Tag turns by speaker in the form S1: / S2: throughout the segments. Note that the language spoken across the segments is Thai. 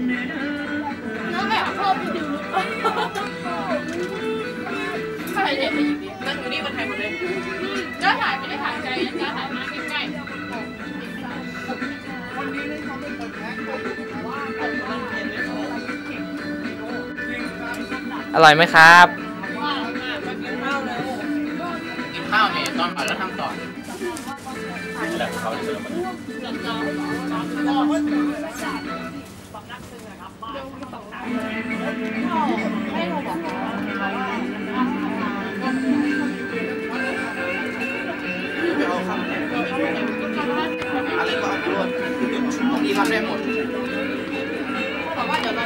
S1: แล้วแบบเพิ่มดูใครเห็นไปอีกดินั่งอยู่นี่คนไทยหมดเลยจ้าถ่ายไม่ได้ถ่ายไกลจ้าถ่ายมาใกล้
S2: อร่อยไหมครับ
S1: กินข้าวเนี่ยตอนก่อนแล้วทำต่อแบบเขาจะมาให้เราบอกอะไรก็เอาไปหมดบางทีทำได้หมดบอกว่าเดี๋ยวเรา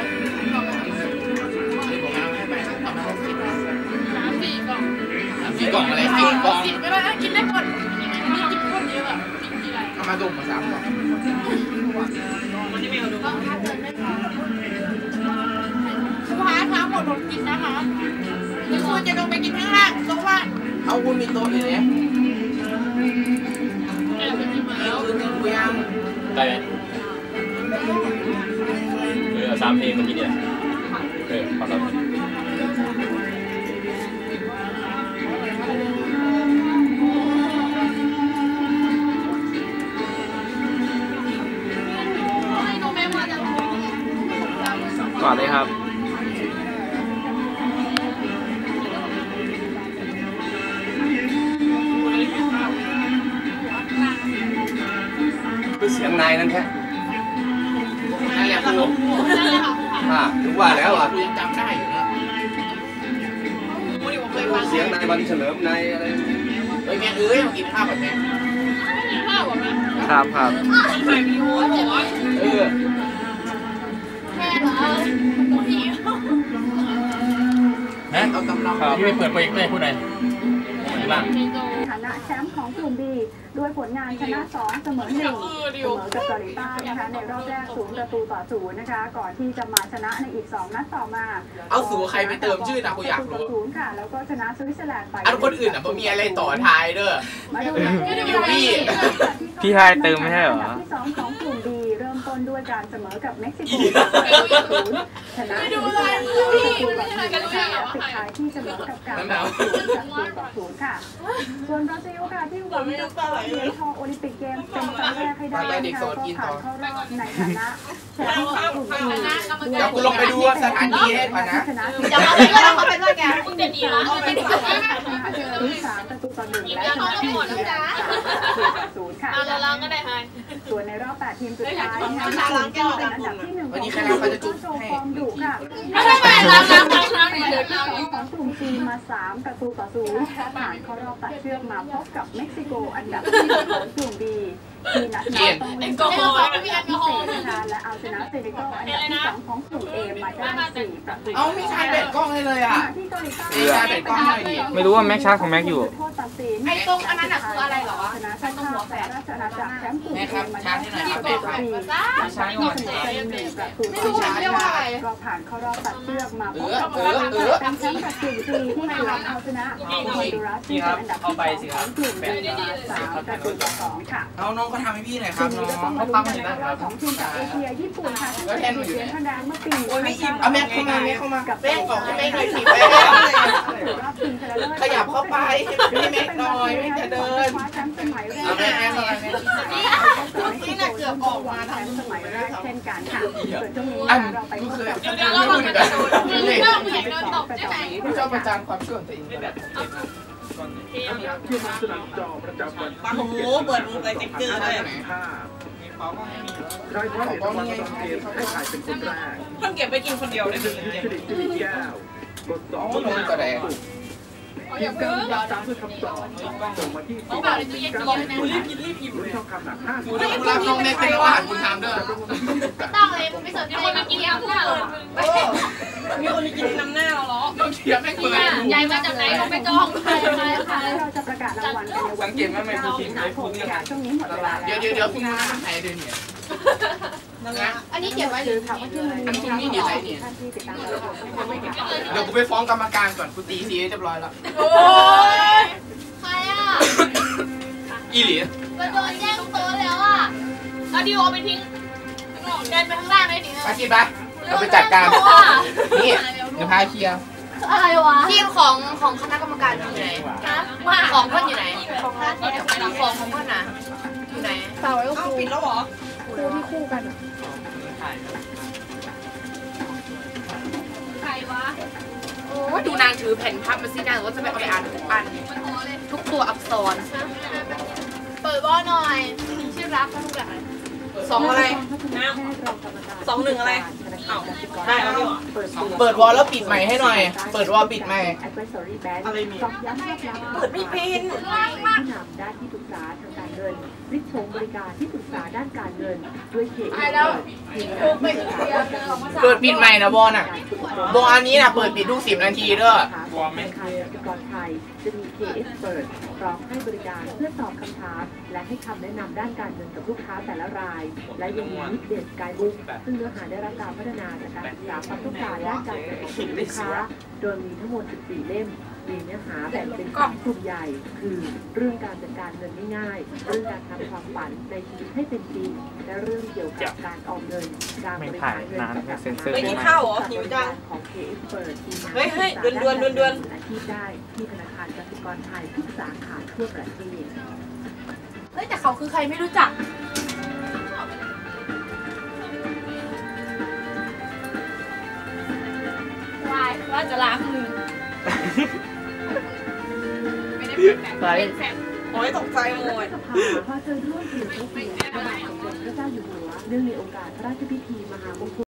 S1: 4 กล่องอะไร4 กล่อง10ก็ได้กินได้หมดมีกินคนเยอะอ่ะกินอะไรเอามาดุ่มมา3 กล่องวันนี้ไม่เอาดุ่มสุภาพทั้งหมดผมกินนะคะเดี๋ยวคุณจะลงไปกินข้างล่างโต๊ะว่างเอาคุณมีโต๊ะอยู่เนี่ยแล้วคุยยัง
S2: ได้ไหมเอา3 เพลงเมื่อกี้เนี่ยขอรับก่อนเลยครับ
S3: เสียงนายนั่นแค่
S1: นั่นแหละครู
S3: ถึงว่าแล้วอ่ะ
S1: ครูยังจำได้อยู่นะ
S3: เสียงนายวันเฉลิมนายอะไร
S1: แม่มากินข้าวแบบนี้กินข้าวแบบนี้
S2: ครับ
S1: ถ่ายวิดีโอบอกว่าแม่เหรอเอากำลัง
S2: ที่ไม่เปิดโปรเจกต์ได้พูดไหนบ้าง
S4: ฐานะแชมป์ของกลุ่ม B ด้วยผลงานชนะ2เสมอ1เสมอกับเกาหลีใต้นะคะในรอบแรก0-0นะคะก่อนที่จะมาชนะในอีก2นัดต่อมา
S1: เอาสู่ใครไปเติมชื่อนะกูอยากรู้
S4: 0ค่ะแล้วก็ชนะสวิตเซอร์แลนด์ไป
S1: อันคนอื่นอ่ะมันมีอะไรต่อท้ายเด้อ
S2: พี่ไฮเติมไม่ใช่เหรอ
S4: ที่2ของกลุ่ม B เริ่มต้นด้วยการเสมอกับเม็กซิโก0ชนะ1-0ปิดท้ายที่เสมอกับการ0-0ค่ะส่วนบราซิลค่ะที่หวังจะคว้าเหรียญทองโอลิมปิกเกมส์เป็นครั้งแรกให้ได้นะคะก็ผ่านเข้ารอบในฐานะแชมป์ของกลุ่ม B
S1: เดี๋ยวกูลงไปดูสถานีให้ก่อนนะ
S4: เดี๋ยวเขาไปด้วยแกคุณจะดีเหรอไม่ได้3-1และชนะ0-0ค่ะ
S1: เราก็ได้ให้
S4: ส่วนในรอบ8ทีมสุดท้ายนะคะเป็นอันดับที่1ของกลุ่มโชว์ฟอร์มดุค่ะของกลุ่ม C มา3-0ผ่านเข้ารอบตัดเชือกมาพบกับเม็กซิโกอันดับที่1ของกลุ่ม B ที่นัดนี้ต้องเล่นเกมพิเศษนะคะและเอาชนะเซเนกัลอันดับที่2ของกลุ่ม A มาได้4-0
S1: เอาไม่ใช่เบ็ดกล้องเลยอ่ะ
S2: ไม่รู้ว่าแม็กชาร์จของแม็กอยู่
S1: ไอ้ตรงอันนั้นคืออะไรเหรอ
S4: ชนะชาติหัวแฝดราชอาณาจักรแชมป์กลุ่ม A มาได้4-0ชาติที่เสมอกัน1-0ก็ผ่านเข้ารอบตัดเชือกมาพบกับแชมป์กับกลุ่ม C ที่หลังเอาชนะฮอนดูรัสที่เป็นอันดับที่2ของกลุ่ม B 3-2ค่ะ
S1: เอาน้องก็ทำให้พี่หน่อยครับน้อง
S4: เขาปั้มอยู่นะของทีมจากเอเชียญี่ปุ่นค่ะที่เป็นเสียงคะแนนเมื่อปี
S1: โอ้ยไม่อิ่มเอาแม่เข้ามากับแป้งของแป้งเลยถีบไปขยับเข้าไปพี่แม็กหน่อยไม่จะเดินเอาแม่เข้ามานี่น่ะเกือบออกมาทำ
S4: สมัยแรกเช่นกันค่ะส่วนช่วงนี้เราไปพบกับ
S1: เดี๋ยวเราลองกระโดดเรื่องผู้หญิงโดนตบใช่ไหมผู้ชอบประจานความส่วนตัวเอง
S5: โอ้โหเปิดมุกเลยติ๊กเกอร์เลย
S3: ได้เพราะของวันต้องเกมให้ถ่ายเป็นคนแรก
S5: เพิ่งเก็บไปกินคนเดียวได้เลย
S3: กด2
S1: ลงกระแดง
S3: อย่าเพิ่งตามด้วยคำตอบส่งมาที่
S1: ต้องแบบในตู้เย็นกินนะ
S5: รีบอิ่ม
S3: ช่องคำหนัก5
S1: คุณรับน้องเล็กเป็นว่าคุณทำด้วย
S4: ต้องเลยมึงไม่สนใจมากินแล้วหรอ
S5: มีคนกินน้ำหน้าเราเหรอ
S1: ต้องเทียบไม่เปิด
S4: ยายมาจากไหนเขาไปจ้องเราจะประกาศรางวัลกันในวันที่9สิงหาคมค่ะช่วงนี้หมดเวลา
S1: เดี๋ยวคุณมาไทยด้วยเนี่ย
S4: อันนี้เก็บไว้หรือถามว่าที่มัน
S1: อันนี้นี่อะไรเนี่ยเดี๋ยวกูไปฟ้องกรรมการก่อนกูตีซีเรียบร้อยแล้ว
S4: โอ้ยใครอ่ะ
S1: อีหลี
S4: ก็โดนแย่งโต๊ะแล้วอ่ะเอาดิโอไปทิ้งเดินไปข้างล่างได้ดิ
S1: ไปกินไปเราไปจัดการนี่เดี๋ยวพาเคลียร์
S3: อะไรวะ
S6: ทีมของคณะกรรมการอยู่ไหนของเพื่อนอยู่ไหนของเพื่อนน่ะอยู่ไหน
S3: ฝากไว้กับครู
S5: ปิดแล้วเหรอ
S3: ครูที่คู่กัน
S6: โอ้ดูนางถือแผ่นพับมาสินางว่าจะไปเอาไปอ่านทุกอันทุกตัวอักษร
S3: เปิดบ้อหน่อยชื่อรักลูกแบบ
S5: สองอะไรสองหนึ่งอะไรเอ้าได้แล้วนี่หว่า
S1: เปิดวอลแล้วปิดใหม่ให้หน่อยเปิดวอลปิดใหม่
S5: อะไรมี
S4: ตอกย้ำภาพลักษณ์
S5: เปิดไม่เป็น
S4: ผู้นำด้านที่ปรึกษาทางการเงินริชงบริการที่ปรึกษาด้านการเงินด้วยเค
S1: เปิดปิดใหม่นะบอลน่ะบอลอันนี้น่ะเปิดปิดทุก10 นาทีเด้อ
S4: ธนาคารกสิกรไทยจะมี K-Expert พร้อมให้บริการเพื่อตอบคำถามและให้คำแนะนำด้านการเงินกับลูกค้าแต่ละราย และยังมีมิดเดสกายบุ๊กซึ่งเนื้อหาได้รับการพัฒนาจากการศึกษาความต้องการด้านการเงินของลูกค้า โดยมีทั้งหมด 14 เล่ม มีเนื้อหาแบ่งเป็น3กลุ่มใหญ่ คือเรื่องการจัดการเงินง่ายๆเรื่องการทำความฝันในชีวิตให้เป็นจริง และเรื่องเกี่ยวกับการออมเงิน การบริหารเงินกับการ
S5: ไม่กินข้าวเหรอหิวจัง
S4: ของ K-Expert ทีมงาน
S5: เฮ้ยๆด่วนๆ
S4: อาชีพได้ที่ธนาคารกสิกรไทยทุกสาขาทั่วประเทศ
S3: เฮ้ยแต่เขาคือใครไม่รู้จักวายว่าจะล้างมือ
S1: ไป
S3: ไม่ได้เป็นแฟน
S5: โอ้ยตกใจหมด
S4: สภาพอเชิญร่วมเปลี่ยนพระเกียรติพระบาทสมเด็จพระเจ้าอยู่หัวเนื่องในโอกาสพระราชพิธีมหามงคล